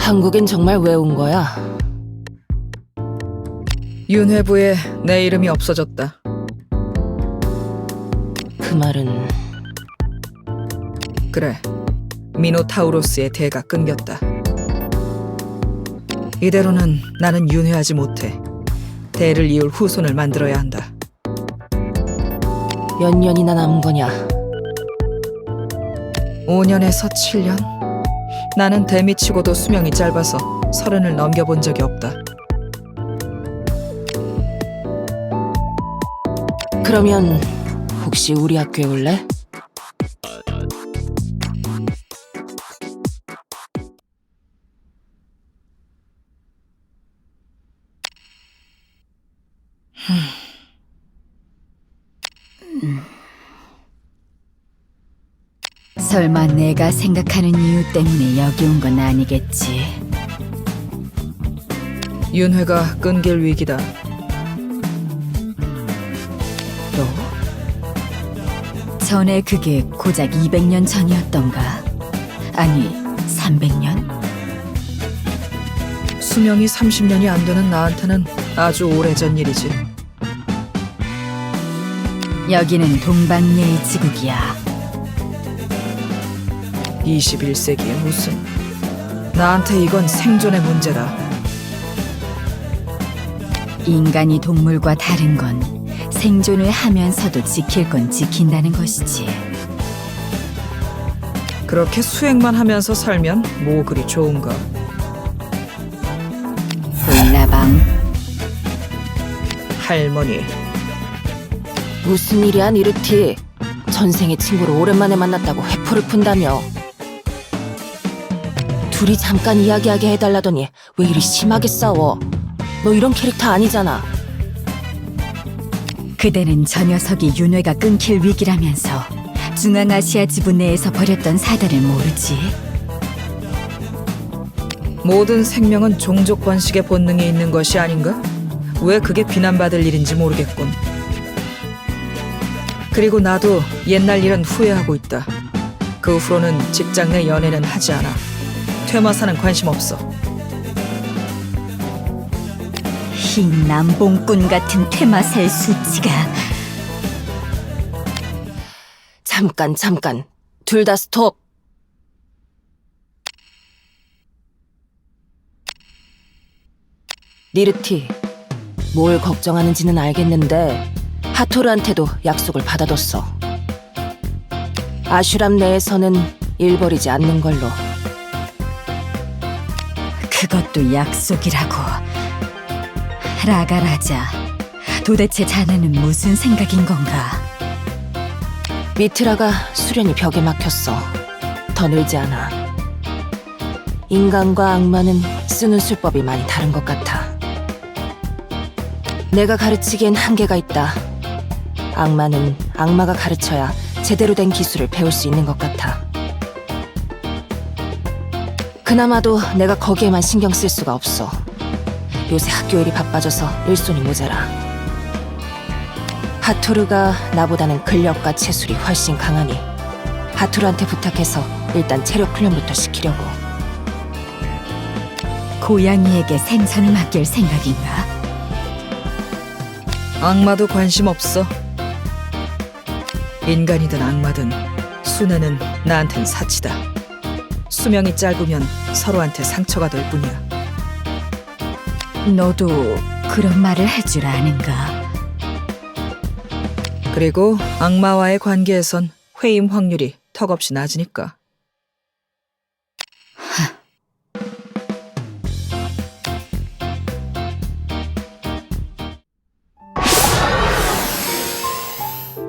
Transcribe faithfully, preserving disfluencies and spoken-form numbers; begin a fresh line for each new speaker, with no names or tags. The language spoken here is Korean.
한국엔 정말 왜 온 거야?
윤회부에 내 이름이 없어졌다.
그 말은
그래, 미노타우로스의 대가 끊겼다. 이대로는 나는 윤회하지 못해. 대를 이을 후손을 만들어야 한다.
몇 년이나 남은 거냐?
오 년에서 칠 년? 나는 대미치고도 수명이 짧아서 서른을 넘겨본 적이 없다.
그러면 혹시 우리 학교에 올래?
설마 내가 생각하는 이유 때문에 여기 온 건 아니겠지?
윤회가 끊길 위기다.
또? 전에 그게 고작 이백 년 전이었던가? 아니, 삼백 년?
수명이 삼십 년이 안 되는 나한테는 아주 오래전 일이지.
여기는 동방예의 지국이야.
이십일 세기에 무슨... 나한테 이건 생존의 문제다.
인간이 동물과 다른 건 생존을 하면서도 지킬 건 지킨다는 것이지.
그렇게 수행만 하면서 살면 뭐 그리 좋은가.
볼라방,
할머니,
무슨 일이야, 니르티? 전생의 친구를 오랜만에 만났다고 회포를 푼다며. 둘이 잠깐 이야기하게 해달라더니 왜 이리 심하게 싸워? 너 이런 캐릭터 아니잖아.
그대는 저 녀석이 윤회가 끊길 위기라면서 중앙아시아 지부 내에서 벌였던 사달을 모르지?
모든 생명은 종족 번식의 본능이 있는 것이 아닌가? 왜 그게 비난받을 일인지 모르겠군. 그리고 나도 옛날 일은 후회하고 있다. 그 후로는 직장 내 연애는 하지 않아. 퇴마사는 관심 없어.
이 남봉꾼 같은 퇴마살 수치가.
잠깐 잠깐 둘 다 스톱. 니르티, 뭘 걱정하는지는 알겠는데 하토르한테도 약속을 받아뒀어. 아슈람 내에서는 일 벌이지 않는 걸로.
그것도 약속이라고. 라가라자, 도대체 자네는 무슨 생각인 건가?
미트라가 수련이 벽에 막혔어. 더 늘지 않아. 인간과 악마는 쓰는 수법이 많이 다른 것 같아. 내가 가르치기엔 한계가 있다. 악마는 악마가 가르쳐야 제대로 된 기술을 배울 수 있는 것 같아. 그나마도 내가 거기에만 신경 쓸 수가 없어. 요새 학교 일이 바빠져서 일손이 모자라. 하토르가 나보다는 근력과 체술이 훨씬 강하니 하토르한테 부탁해서 일단 체력 훈련부터 시키려고.
고양이에게 생선을 맡길 생각인가?
악마도 관심 없어. 인간이든 악마든 순애는 나한텐 사치다. 수명이 짧으면 서로한테 상처가 될 뿐이야.
너도 그런 말을 할 줄 아는가?
그리고 악마와의 관계에선 회임 확률이 턱없이 낮으니까.